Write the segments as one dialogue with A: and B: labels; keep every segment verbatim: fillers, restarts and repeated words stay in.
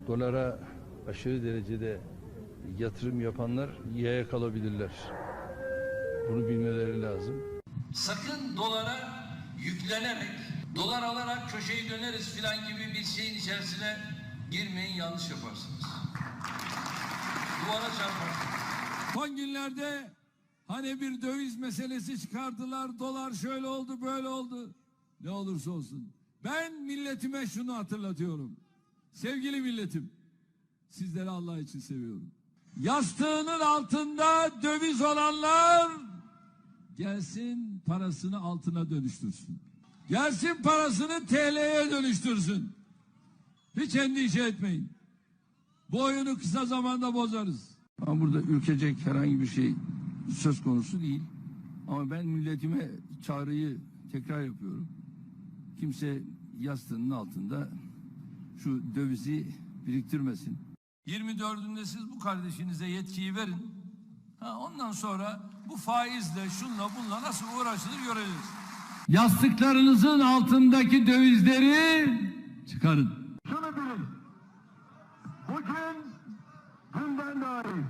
A: Dolara aşırı derecede yatırım yapanlar yaya kalabilirler. Bunu bilmeleri lazım.
B: Sakın dolara yüklenerek, dolar alarak köşeyi döneriz filan gibi bir şeyin içerisine girmeyin, yanlış yaparsınız. Duvara çarparsınız.
C: Son günlerde hani bir döviz meselesi çıkardılar, dolar şöyle oldu, böyle oldu. Ne olursa olsun. Ben milletime şunu hatırlatıyorum. Sevgili milletim, sizleri Allah için seviyorum. Yastığının altında döviz olanlar gelsin parasını altına dönüştürsün. Gelsin parasını T L'ye dönüştürsün. Hiç endişe etmeyin. Bu oyunu kısa zamanda bozarız.
A: Ama burada ürkecek herhangi bir şey söz konusu değil. Ama ben milletime çağrıyı tekrar yapıyorum. Kimse yastığının altında şu dövizi biriktirmesin.
B: yirmi dördünde siz bu kardeşinize yetkiyi verin. Ha, ondan sonra bu faizle, şunla, bunla nasıl uğraşılır göreceğiz.
C: Yastıklarınızın altındaki dövizleri çıkarın.
D: Şunu bilin. Bugün günden daha iyi.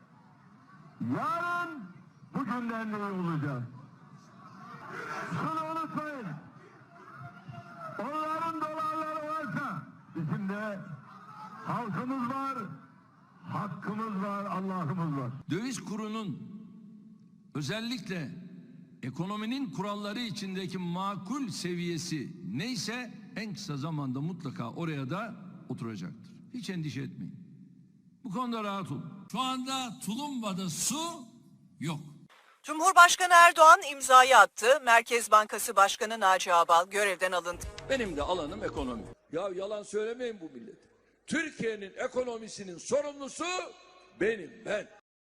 D: Yarın bugünden de iyi olacak. Şunu unutmayın. Onların dolarları varsa bizim de halkımız var, hakkımız var, Allah'ımız var.
B: Döviz kurunun özellikle ekonominin kuralları içindeki makul seviyesi neyse en kısa zamanda mutlaka oraya da oturacaktır. Hiç endişe etmeyin. Bu konuda rahat olun. Şu anda Tulumba'da su yok.
E: Cumhurbaşkanı Erdoğan imzayı attı. Merkez Bankası Başkanı Naci Ağbal görevden alındı.
B: Benim de alanım ekonomi. Ya yalan söylemeyin bu millete. Türkiye'nin ekonomisinin sorumlusu benim, ben.